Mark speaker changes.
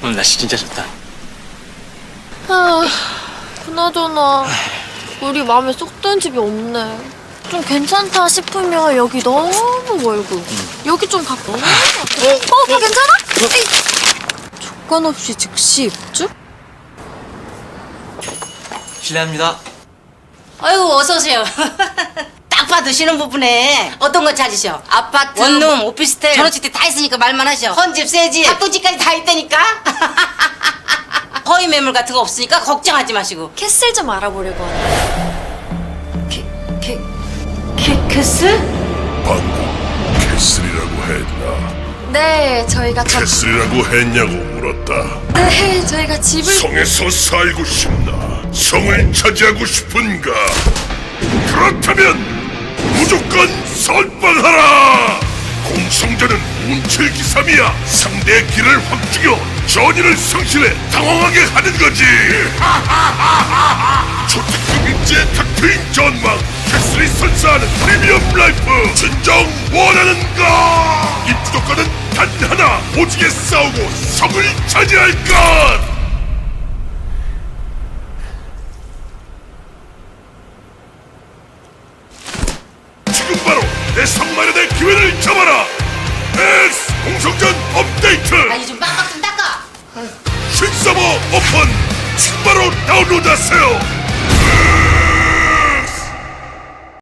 Speaker 1: 오늘 날씨 진짜 좋다.
Speaker 2: 아, 그나저나 우리 마음에 쏙 드는 집이 없네. 좀 괜찮다 싶으면 여기 너무 멀고 여기 좀 가까워. 괜찮아? 에이. 조건 없이 즉시 입주?
Speaker 1: 실례합니다.
Speaker 3: 아유, 어서 오세요. 딱 봐도 신혼부부네. 어떤 거 찾으셔? 아파트, 원룸, 오피스텔, 전원주택 다 있으니까 말만 하셔. 헌집, 새집, 합동집까지 다 있다니까. 허위 매물 같은 거 없으니까 걱정하지 마시고.
Speaker 2: 캐슬 좀 알아보려고 하네.
Speaker 3: 캐슬?
Speaker 4: 방금 캐슬이라고 했나?
Speaker 2: 네, 저희가
Speaker 4: 캐슬이라고 했냐고 물었다.
Speaker 2: 네, 저희가 집을
Speaker 4: 성에서 살고 싶나? 성을 차지하고 싶은가? 그렇다면 무조건 선빵하라! 공성전은 운칠기삼이야. 상대의 길을 확 죽여 전의를 성실해 당황하게 하는 거지. 초특급인지의 탁트인 전망, 캐슬이 선사하는 프리미엄 라이프 진정 원하는가? 입주 조건은 단 하나, 오지게 싸우고 성을 차지할 것! 지금 바로 내 성마련의 기회를 잡아라! X 공성전 업데이트!
Speaker 3: 아니, 좀 빡빡 좀 닦아.
Speaker 4: 신서버 오픈! 지금 바로 다운로드하세요!